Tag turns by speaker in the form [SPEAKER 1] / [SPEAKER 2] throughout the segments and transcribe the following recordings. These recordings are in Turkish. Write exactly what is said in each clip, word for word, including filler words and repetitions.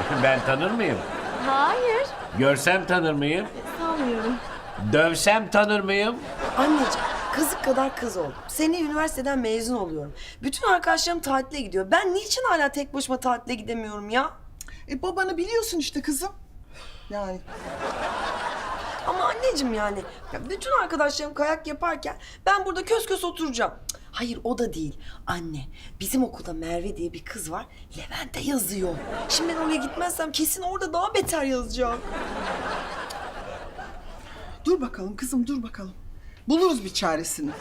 [SPEAKER 1] Ben tanır mıyım?
[SPEAKER 2] Hayır.
[SPEAKER 1] Görsem tanır mıyım?
[SPEAKER 2] Sanmıyorum.
[SPEAKER 1] Dövsem tanır mıyım?
[SPEAKER 3] Anneciğim, kazık kadar kız oldum. Seneye üniversiteden mezun oluyorum. Bütün arkadaşlarım tatile gidiyor. Ben niçin hala tek başıma tatile gidemiyorum ya?
[SPEAKER 4] E babanı biliyorsun işte kızım. Yani
[SPEAKER 3] Ama anneciğim yani, ya bütün arkadaşlarım kayak yaparken ben burada kös kös oturacağım. Cık, hayır o da değil. Anne, bizim okulda Merve diye bir kız var. Levent'e yazıyor. Şimdi ben oraya gitmezsem kesin orada daha beter yazacak.
[SPEAKER 4] dur bakalım kızım dur bakalım. Buluruz bir çaresini.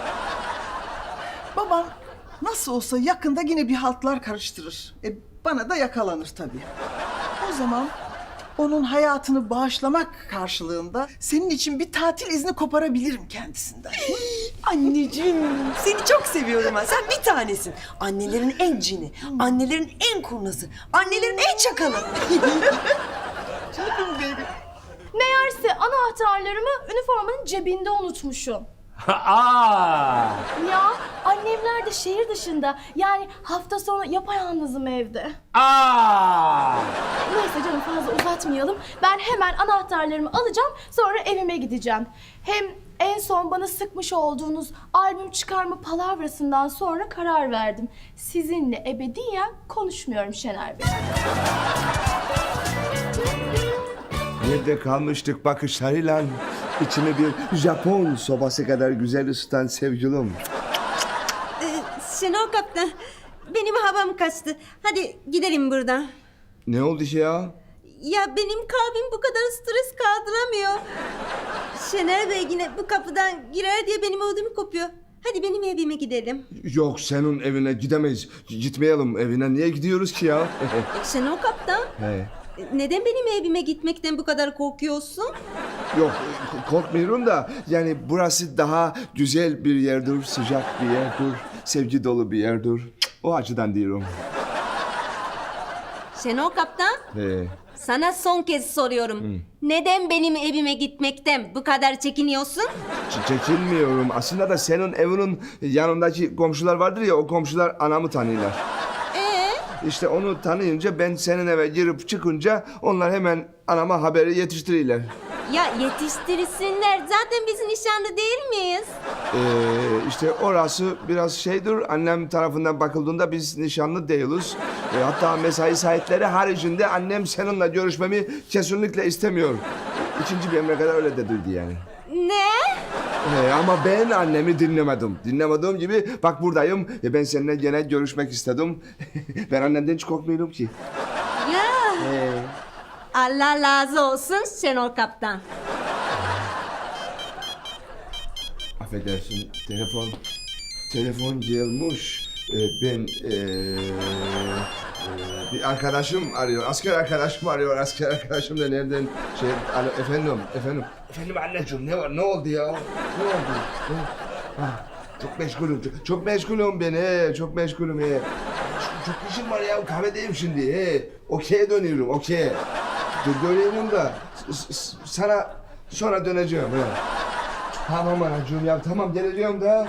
[SPEAKER 4] Baban nasıl olsa yakında yine bir haltlar karıştırır. E bana da yakalanır tabii. O zaman onun hayatını bağışlamak karşılığında senin için bir tatil izni koparabilirim kendisinden.
[SPEAKER 3] Anneciğim, seni çok seviyorum ben. Sen bir tanesin. Annelerin en cini, annelerin en kurnazı, annelerin en çakalı.
[SPEAKER 4] Canım benim.
[SPEAKER 2] Meğerse anahtarlarımı üniformanın cebinde unutmuşum.
[SPEAKER 1] Aa!
[SPEAKER 2] Ya annemler de şehir dışında. Yani hafta sonu yapayalnızım evde.
[SPEAKER 1] Aa!
[SPEAKER 2] Neyse canım fazla uzatmayalım. Ben hemen anahtarlarımı alacağım, sonra evime gideceğim. Hem en son bana sıkmış olduğunuz albüm çıkarma palavrasından sonra karar verdim. Sizinle ebediyen konuşmuyorum Şener Bey.
[SPEAKER 5] Nerede kalmıştık bakışlarıyla içini bir Japon sobası kadar güzel ısıtan sevgilim.
[SPEAKER 6] Şenol Kaptan, benim havam kaçtı. Hadi gidelim buradan.
[SPEAKER 5] Ne oldu ya?
[SPEAKER 6] Ya benim kalbim bu kadar stres kaldıramıyor. Şener Bey yine bu kapıdan girer diye benim ödümü kopuyor. Hadi benim evime gidelim.
[SPEAKER 5] Yok senin evine gidemeyiz. Gitmeyelim evine. Niye gidiyoruz ki ya?
[SPEAKER 6] Şenol Kaptan,
[SPEAKER 5] He.
[SPEAKER 6] neden benim evime gitmekten bu kadar korkuyorsun?
[SPEAKER 5] Yok korkmuyorum da yani burası daha güzel bir yerdir, sıcak bir yerdir, sevgi dolu bir yerdir. O açıdan diyorum.
[SPEAKER 6] Şenol Kaptan,
[SPEAKER 5] He.
[SPEAKER 6] sana son kez soruyorum. Neden benim evime gitmekten bu kadar çekiniyorsun?
[SPEAKER 5] Ç- Çekinmiyorum. Aslında da senin evinin yanındaki komşular vardır ya, o komşular anamı tanıyorlar.
[SPEAKER 6] Ee?
[SPEAKER 5] İşte onu tanıyınca ben senin eve girip çıkınca onlar hemen anama haberi yetiştiriyorlar.
[SPEAKER 6] Ya yetiştirsinler. Zaten biz nişanlı değil miyiz?
[SPEAKER 5] Ee, işte orası biraz şeydir. Annem tarafından bakıldığında biz nişanlı değiliz. Ee, hatta mesai saatleri haricinde annem seninle görüşmemi kesinlikle istemiyor. İkinci bir emre kadar öyle dedirdi yani.
[SPEAKER 6] Ne?
[SPEAKER 5] Ee, ama ben annemi dinlemedim. Dinlemediğim gibi bak buradayım. E, ben seninle gene görüşmek istedim. Ben annemden hiç korkmuyorum ki.
[SPEAKER 6] Ya.
[SPEAKER 5] Ee,
[SPEAKER 6] Allah razı olsun Şenol Kaptan.
[SPEAKER 5] affedersin telefon. Telefon gelmiş. Ee, ben ee, ee, bir arkadaşım arıyor. Asker arkadaşım arıyor. Asker arkadaşım da nereden şey alo efendim efendim. Efendim anneciğim ne var ne oldu ya? Ne oldu? Ne? Ha, çok meşgulüm. Çok, çok meşgulüm ben he. Çok meşgulüm he. Çok, çok işim var ya kahvedeyim şimdi he. Okey'e dönüyorum okey. Dur dönüyorum da s- s- sana sonra döneceğim he. Tamam anacığım ya tamam geleceğim da.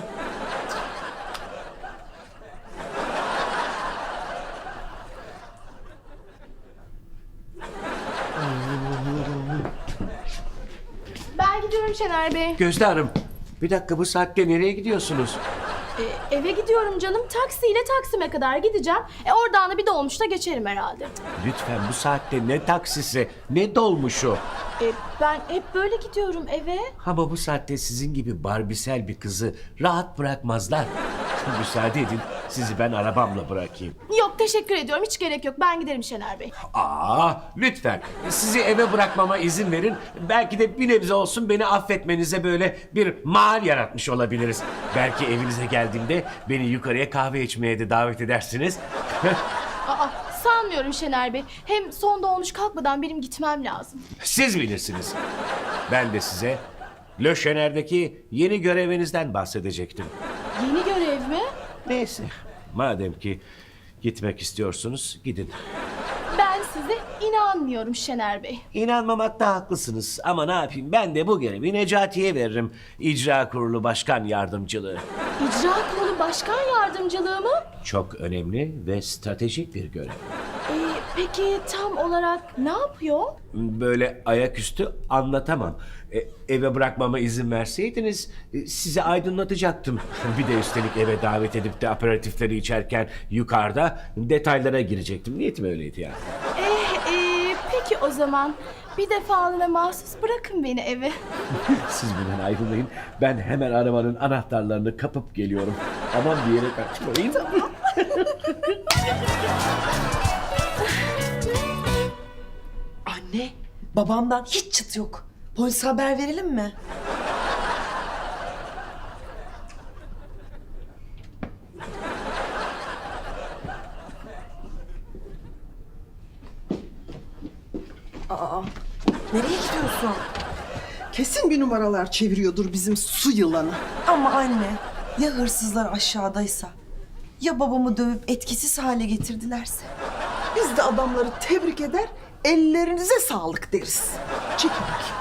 [SPEAKER 2] Ben gidiyorum Şener Bey.
[SPEAKER 1] Gözde Hanım, bir dakika bu saatte nereye gidiyorsunuz?
[SPEAKER 2] Ee, eve gidiyorum canım. Taksiyle Taksim'e kadar gideceğim. E oradan da bir dolmuşta geçerim herhalde.
[SPEAKER 1] Lütfen bu saatte ne taksisi, ne dolmuşu.
[SPEAKER 2] E, ben hep böyle gidiyorum eve.
[SPEAKER 1] Ama bu saatte sizin gibi barbisel bir kızı rahat bırakmazlar. Müsaade edin, sizi ben arabamla bırakayım.
[SPEAKER 2] Yok teşekkür ediyorum. Hiç gerek yok. Ben giderim Şener Bey.
[SPEAKER 1] Aa, lütfen sizi eve bırakmama izin verin. Belki de bir nebze olsun beni affetmenize böyle bir mal yaratmış olabiliriz. Belki evinize geldiğimde beni yukarıya kahve içmeye de davet edersiniz.
[SPEAKER 2] Aa, sanmıyorum Şener Bey. Hem son dolmuş kalkmadan benim gitmem lazım.
[SPEAKER 1] Siz bilirsiniz. Ben de size Le Chener'deki yeni görevinizden bahsedecektim.
[SPEAKER 2] Yeni görev mi?
[SPEAKER 1] Neyse, madem ki gitmek istiyorsunuz gidin.
[SPEAKER 2] Ben size inanmıyorum Şener Bey.
[SPEAKER 1] İnanmamakta haklısınız ama ne yapayım ben de bu görevi Necati'ye veririm. İcra Kurulu Başkan Yardımcılığı.
[SPEAKER 2] İcra Kurulu Başkan Yardımcılığı mı?
[SPEAKER 1] Çok önemli ve stratejik bir görev.
[SPEAKER 2] Ee, Peki tam olarak ne yapıyor?
[SPEAKER 1] Böyle ayaküstü anlatamam. E, eve bırakmama izin verseydiniz e, size aydınlatacaktım. Bir de üstelik eve davet edip de aperatifleri içerken yukarıda detaylara girecektim. Niyetim öyleydi yani.
[SPEAKER 2] Eh, e, peki o zaman bir defalığına mahsus bırakın beni eve.
[SPEAKER 1] Siz bundan ayrılmayın. Ben hemen arabanın anahtarlarını kapıp geliyorum. Aman bir yere kaçmayın.
[SPEAKER 3] Anne, babamdan hiç çıt yok. Polise haber verelim mi? Aa, nereye gidiyorsun?
[SPEAKER 4] Kesin bir numaralar çeviriyordur bizim su yılanı.
[SPEAKER 3] Ama anne, ya hırsızlar aşağıdaysa? Ya babamı dövüp etkisiz hale getirdilerse?
[SPEAKER 4] Biz de adamları tebrik eder, ellerinize sağlık deriz. Çekil bakayım.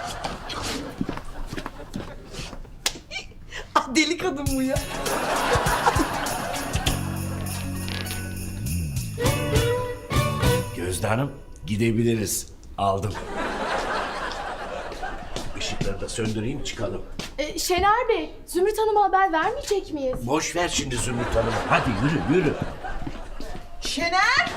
[SPEAKER 3] Ah, deli kadın bu ya.
[SPEAKER 1] Gözde Hanım gidebiliriz. Aldım. Işıkları da söndüreyim çıkalım.
[SPEAKER 2] E, Şener Bey, Zümrüt Hanım'a haber vermeyecek miyiz?
[SPEAKER 1] Boş ver şimdi Zümrüt Hanım. Hadi yürü yürü.
[SPEAKER 4] Şener!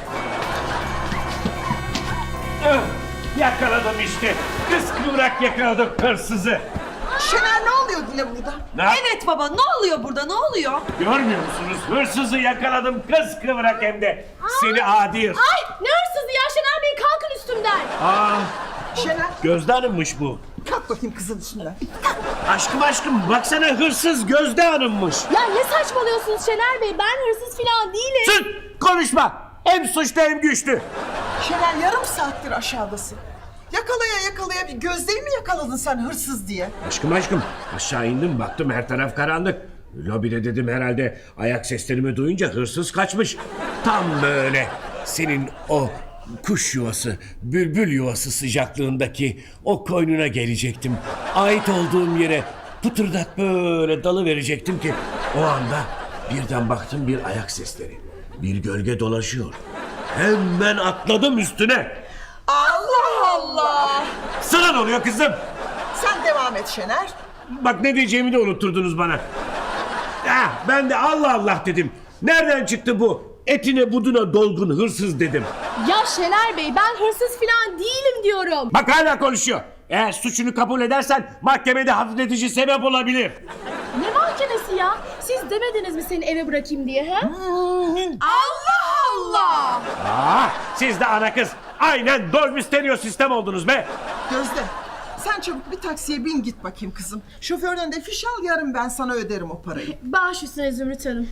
[SPEAKER 1] Ah, yakaladım işte. Kıskıvrak yakaladım hırsızı.
[SPEAKER 4] Şener ne oluyor yine burada?
[SPEAKER 1] Ne yap-
[SPEAKER 3] Evet baba, ne oluyor burada, ne oluyor?
[SPEAKER 1] Görmüyor musunuz? Hırsızı yakaladım kıskıvrak hem de. Seni adi hırsız.
[SPEAKER 2] Ay ne hırsızı ya Şener Bey, kalkın üstümden.
[SPEAKER 1] Aa,
[SPEAKER 4] Şener,
[SPEAKER 1] Gözde Hanım'mış bu.
[SPEAKER 4] kalk bakayım kızın üstünden.
[SPEAKER 1] Aşkım aşkım baksana hırsız Gözde Hanım'mış.
[SPEAKER 2] Ya ne saçmalıyorsunuz Şener Bey, ben hırsız falan değilim.
[SPEAKER 1] Sus! Konuşma! Hem suçlu hem güçlü.
[SPEAKER 4] Şener yarım saattir aşağıdasın. Yakalaya yakalaya bir Gözde'yi mi yakaladın sen hırsız diye?
[SPEAKER 1] Aşkım aşkım aşağı indim baktım her taraf karanlık. Lobide dedim herhalde ayak seslerimi duyunca hırsız kaçmış. Tam böyle senin o kuş yuvası, bülbül yuvası sıcaklığındaki o koynuna gelecektim. Ait olduğum yere pıtırdak böyle dalı verecektim ki o anda birden baktım bir ayak sesleri. Bir gölge dolaşıyor. Hemen atladım üstüne.
[SPEAKER 4] Allah Allah!
[SPEAKER 1] Sana ne oluyor kızım?
[SPEAKER 4] Sen devam et Şener.
[SPEAKER 1] Bak ne diyeceğimi de unutturdunuz bana. Ah, ben de Allah Allah dedim. Nereden çıktı bu? Etine buduna dolgun hırsız dedim.
[SPEAKER 2] Ya Şener Bey, ben hırsız falan değilim diyorum.
[SPEAKER 1] Bak hala konuşuyor. Eğer suçunu kabul edersen mahkemede hafifletici sebep olabilir.
[SPEAKER 2] Ne mahkemesi ya? Siz demediniz mi seni eve bırakayım diye he?
[SPEAKER 3] Allah Allah!
[SPEAKER 1] Ah, siz de ana kız. Aynen Dolby Stereo sistem oldunuz be.
[SPEAKER 4] Gözde, sen çabuk bir taksiye bin git bakayım kızım. Şoförden de fiş al, yarın ben sana öderim o parayı.
[SPEAKER 2] Baş üstüne Zümrüt Hanım.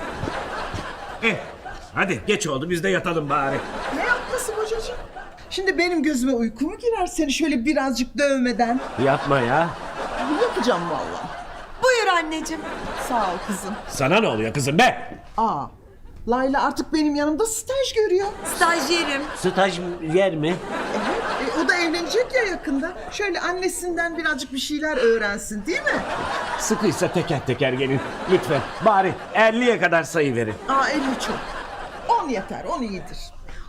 [SPEAKER 1] Eh, hadi geç oldu biz de yatalım bari.
[SPEAKER 4] Ne yapması kocacığım? Şimdi benim gözüme uyku mu girer seni şöyle birazcık dövmeden?
[SPEAKER 1] Yapma ya.
[SPEAKER 4] Yapacağım vallahi.
[SPEAKER 3] Buyur anneciğim.
[SPEAKER 4] Sağ ol kızım.
[SPEAKER 1] Sana ne oluyor kızım be?
[SPEAKER 4] Aa, Layla artık benim yanımda staj görüyor.
[SPEAKER 3] Stajyerim.
[SPEAKER 1] Staj yer mi?
[SPEAKER 4] Evet, e, o da evlenecek ya yakında. Şöyle annesinden birazcık bir şeyler öğrensin değil mi?
[SPEAKER 1] Sıkıysa teker teker gelin. Lütfen bari elliye kadar sayı verin.
[SPEAKER 4] Aa elli çok. On yeter, on iyidir.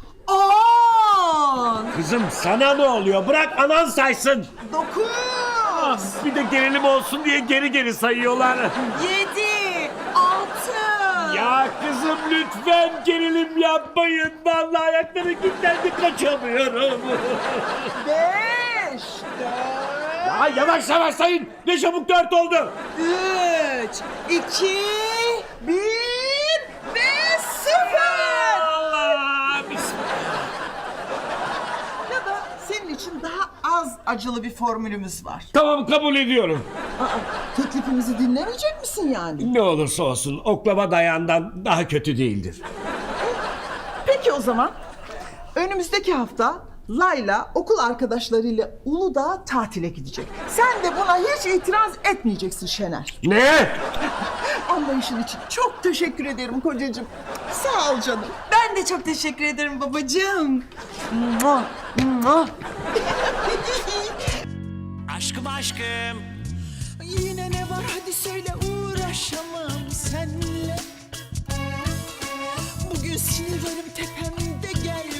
[SPEAKER 3] On!
[SPEAKER 1] Kızım sana ne oluyor? Bırak anan saysın.
[SPEAKER 4] Dokuz.
[SPEAKER 1] Ah, bir de gerilim olsun diye geri geri sayıyorlar.
[SPEAKER 3] Yedi! Altı!
[SPEAKER 1] Ya kızım lütfen gerilim yapmayın. Vallahi ayakları kilitlendi kaçamıyorum.
[SPEAKER 4] Beş. Dört.
[SPEAKER 1] Ya yavaş yavaş sayın. Ne çabuk dört oldu.
[SPEAKER 4] Üç. iki, Bir. Ve sıfır.
[SPEAKER 1] Allah bismillah.
[SPEAKER 4] Ya da senin için daha az acılı bir formülümüz var.
[SPEAKER 1] Tamam kabul ediyorum.
[SPEAKER 4] Aa, teklifimizi dinlemeyecek misin yani?
[SPEAKER 1] Ne olursa olsun oklava dayağından daha kötü değildir.
[SPEAKER 4] Peki o zaman. Önümüzdeki hafta Layla okul arkadaşlarıyla Uludağ tatile gidecek. Sen de buna hiç itiraz etmeyeceksin Şener.
[SPEAKER 1] Ne?
[SPEAKER 4] Anlayışın için çok teşekkür ederim kocacığım. Sağ ol canım.
[SPEAKER 3] Ben de çok teşekkür ederim babacığım. Mua, mua.
[SPEAKER 1] Aşkım aşkım.
[SPEAKER 7] Yine ne var hadi söyle, uğraşamam senle. Bugün sinirlerim tepemde, gel